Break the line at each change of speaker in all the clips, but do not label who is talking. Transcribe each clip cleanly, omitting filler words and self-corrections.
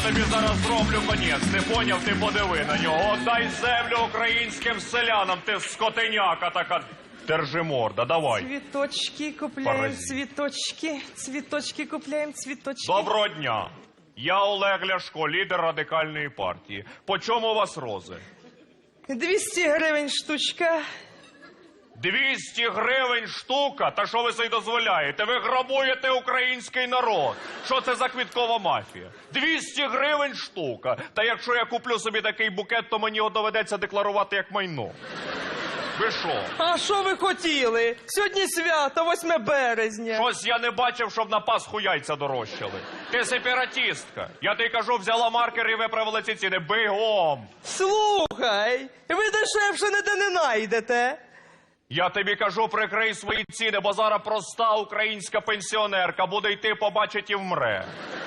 тобі зараз зроблю конець, не поняв, ти подиви на нього. Отдай землю українським селянам, ти скотиняка така. Держи морда, давай.
Цвіточки купляємо,
Паразит.
цвіточки, цвіточки купляємо, цвіточки.
Доброго дня. Я Олег Ляшко, лідер радикальної партії. По чому у вас рози?
200 гривень штучка.
200 гривень штука? Та що ви собі дозволяєте? Ви грабуєте український народ. Що це за квіткова мафія? 200 гривень штука. Та якщо я куплю собі такий букет, то мені його доведеться декларувати як майно. Ви що?
А що ви хотіли? Сьогодні свято, 8 березня.
Щось я не бачив, щоб на Пасху яйця дорожчали. Ти сепаратистка. Я тобі кажу, взяла маркер і виправила ці ціни. Бігом!
Слухай, ви дешевше ніде не найдете.
Я тобі кажу, прикрий свої ціни, бо зараз проста українська пенсіонерка буде йти, побачить і вмре.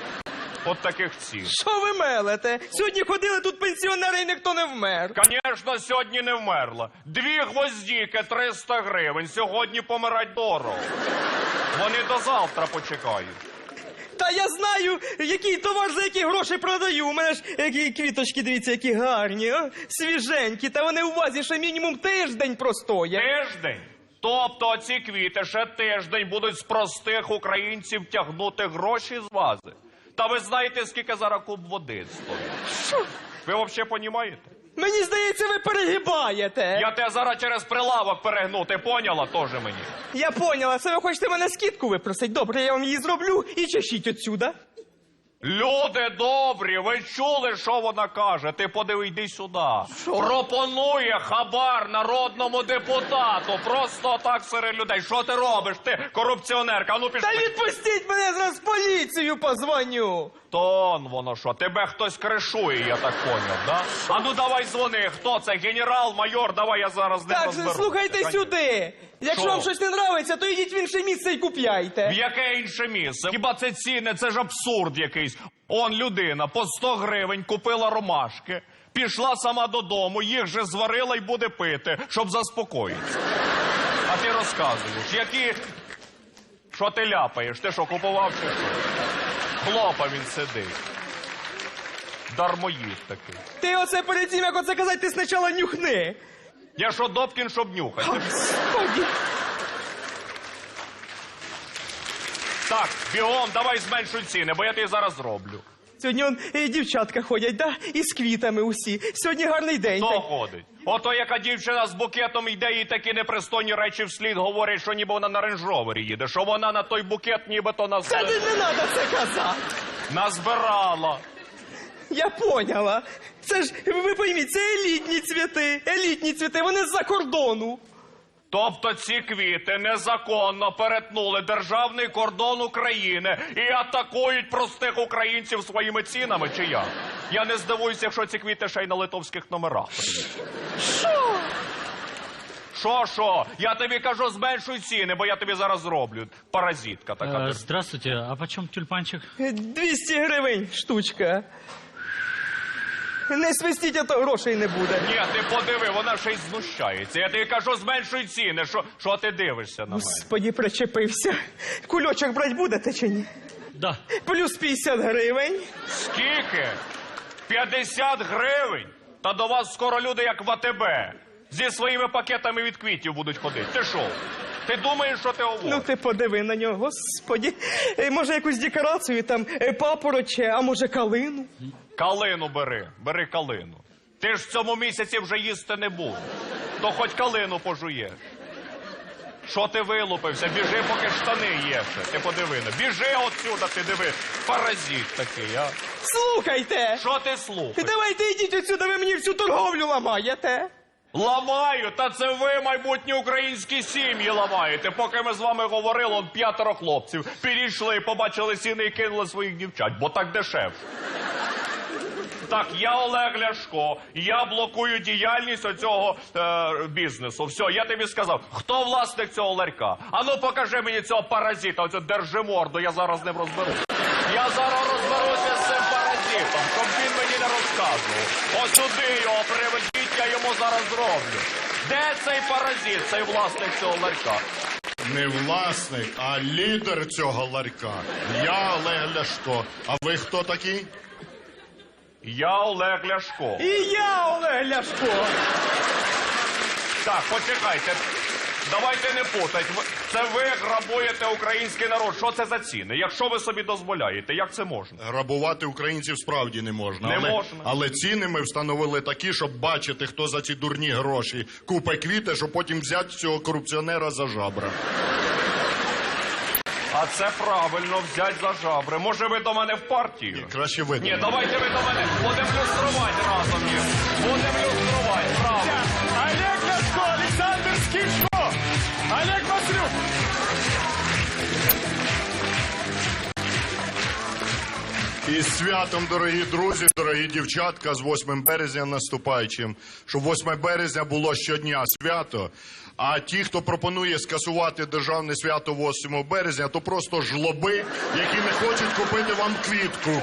От таких цін.
Що ви мелете? Сьогодні ходили тут пенсіонери і ніхто не вмер.
Звісно, сьогодні не вмерла. 2 гвоздіки, 300 гривень. Сьогодні помирать дорого. Вони до завтра почекають.
Та я знаю, який товар за які гроші продаю. У мене ж які квіточки, дивіться, які гарні, а? Свіженькі. Та вони у вазі ще мінімум тиждень простоять.
Тиждень? Тобто ці квіти ще тиждень будуть з простих українців тягнути гроші з вази. Та ви знаєте, скільки зараз куб води стоїть?
Що?
Ви взагалі розумієте?
Мені здається, ви перегибаєте.
Я тебе зараз через прилавок перегну, ти поняла? Теж мені.
Я поняла, це ви хочете мене скидку випросить. Добре, я вам її зроблю і чешіть отсюда.
Люди добрі, ви чули, що вона каже? Ти подиви, йди сюди. Пропонує хабар народному депутату. Просто так серед людей. Що ти робиш? Ти корупціонерка. А ну пішли.
Та відпустіть мене, зараз поліцію позвоню.
Тон воно що, тебе хтось кришує, я так поняв, да? А ну давай дзвони, хто це? Генерал, майор, давай я зараз не
Так,
розберу.
слухайте сюди. Якщо
Що?
вам щось не нравиться, то йдіть в інше місце і купляйте.
В яке інше місце? Хіба це ціни? Це ж абсурд якийсь. Он людина по 100 гривень купила ромашки, пішла сама додому, їх же зварила і буде пити, щоб заспокоїтися. А ти розказуєш, які... Що ти ляпаєш? Ти що, купував чи що? Хлопа він сидить. Дармоїд такий.
Ти оце перед тим, як оце казати, ти спочатку нюхни.
Я що, Добкін, щоб нюхати?
Господи.
Так, бігом, давай зменшуй ціни, бо я тобі зараз зроблю.
Сьогодні он дівчатка ходять, да? І з квітами усі. Сьогодні гарний день.
Хто ходить? Ото яка дівчина з букетом йде, і такі непристойні речі вслід говорять, що ніби вона на рейндж-ровері їде, що вона на той букет нібито нас...
Та не треба це казати.
Назбирала.
Я поняла. Це ж, ви пойміть, це елітні цвіти, вони з-за кордону.
Тобто ці квіти незаконно перетнули державний кордон України і атакують простих українців своїми цінами, чи як? Я не здивуюся, якщо ці квіти ще й на литовських номерах.
Що?
Що? Я тобі кажу, зменшуй ціни, бо я тобі зараз зроблю. Паразитка така.
Здравствуйте, а почем тюльпанчик?
200 гривень штучка. Не свистіть, а то грошей не буде.
Ні, ти подиви, вона ще й знущається. Я тобі кажу, зменшуй ціни. Що ти дивишся на мене?
Господі, причепився. Кульочок брать будете чи ні?
Да.
Плюс 50 гривень.
Скільки? 50 гривень? Та до вас скоро люди, як в АТБ. Зі своїми пакетами від квітів будуть ходити. Ти що? Ти думаєш, що ти говориш?
Ну ти подиви на нього, господі. Може якусь декорацію, там, папороче, а може калину?
Калину бери калину. Ти ж в цьому місяці вже їсти не будеш. То хоч калину пожуєш. Що ти вилупився? Біжи, поки штани є ще. Ти подиви. Біжи отсюда, ти диви. Паразит такий, а?
Слухайте!
Що ти слухаєш?
Давайте йдіть отсюда, ви мені всю торговлю ламаєте.
Ламаю, та це ви, майбутні українські сім'ї, ламаєте. Поки ми з вами говорили, он 5 хлопців підійшли, побачили ціни і кинули своїх дівчат, бо так дешевше. Так, я Олег Ляшко, я блокую діяльність оцього бізнесу. Все, я тобі сказав, хто власник цього ларька? А ну покажи мені цього паразита, оцю держиморду, я зараз з ним розберуся. Я зараз розберуся з цим паразитом, щоб він мені не розказував. Ось сюди його приведіть, я йому зараз зроблю. Де цей паразит, цей власник цього ларька?
Не власник, а лідер цього ларька. Я Олег Ляшко. А ви хто такий?
Я Олег Ляшко.
І я Олег Ляшко.
Так, почекайте. Давайте не путать. Це ви грабуєте український народ. Що це за ціни? Якщо ви собі дозволяєте, як це можна?
Грабувати українців справді не можна.
Не можна.
Але ціни ми встановили такі, щоб бачити, хто за ці дурні гроші купить квіти, щоб потім взяти цього корупціонера за жабра.
А це правильно, взять за жабри. Може ви до мене в партію?
Краще ви.
Ні, давайте ви до мене. Будемо люструвати разом їх. Будемо люструвати, правда.
Олег Ляшко, Олександр Скічко, Олег Маслюк.
Із святом, дорогі друзі, дорогі дівчатка, з 8 березня наступаючим. Щоб 8 березня було щодня свято, а ті, хто пропонує скасувати державне свято 8 березня, то просто жлоби, які не хочуть купити вам квітку.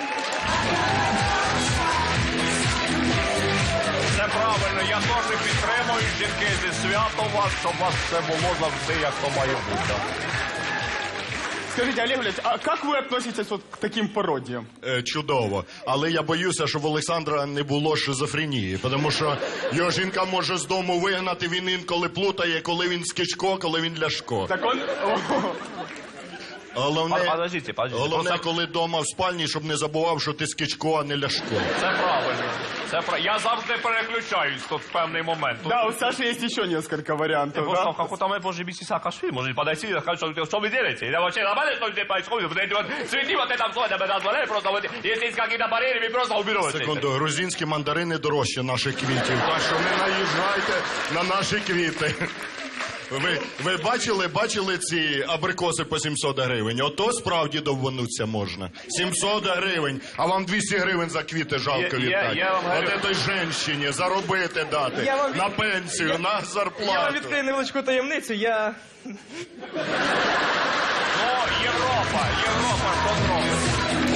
Це правильно, я теж підтримую жінки зі святом вас, щоб у вас все було завжди, як то має бути.
Скажите, Олег Валерьевич, а как вы относитесь вот к таким пародиям?
Чудово. Але я боюся, що в Олександра не було шизофренії, тому що його жінка може з дому вигнати, він інколи плутає, коли він Скічко, коли він Ляшко.
Так он...
Головне,
Подождите.
головне, коли вдома в спальні, щоб не забував, що ти Скічко, а не Ляшко.
Це правильно. Я завжди переключаюсь тут в певний момент.
Да, у Саши есть еще несколько вариантов,
Просто
да?
как там может быть Саакашвили, может подойти и сказать, что вы делаете? Я вообще нормально, что здесь происходит? Вот эти вот цветы, вот это все, это назвали, просто вот, если есть какие-то барьеры, вы просто уберете.
Секунду, грузинські мандарини дорожче наших квітів, так що не наїжджайте на наші квіти. Ви бачили ці абрикоси по 700 гривень? Ото справді довбануться можна. 700 гривень, а вам 200 гривень за квіти жалко віддати.
я вам говорю.
От той женщині заробити дати,
Я вам-
на пенсію, на
Я вам
зарплату.
відкрию невеличку таємницю, я...
Ну, Європа, що зробить?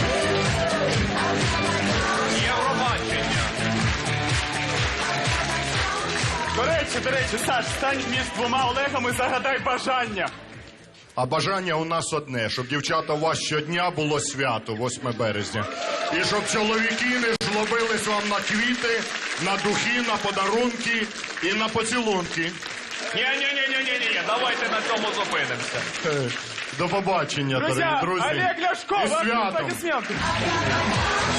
Євробачення.
До речі, Саш, стань між двома Олегами і загадай бажання.
А бажання у нас одне, щоб, дівчата, у вас щодня було свято, 8 березня. І щоб чоловіки не жлобились вам на квіти, на духи, на подарунки і на поцілунки.
Ні, давайте на цьому зупинимося.
До побачення,
Друзья,
дорогі друзі.
Олег Ляшко,
І
вам
святом.
аплодисменты.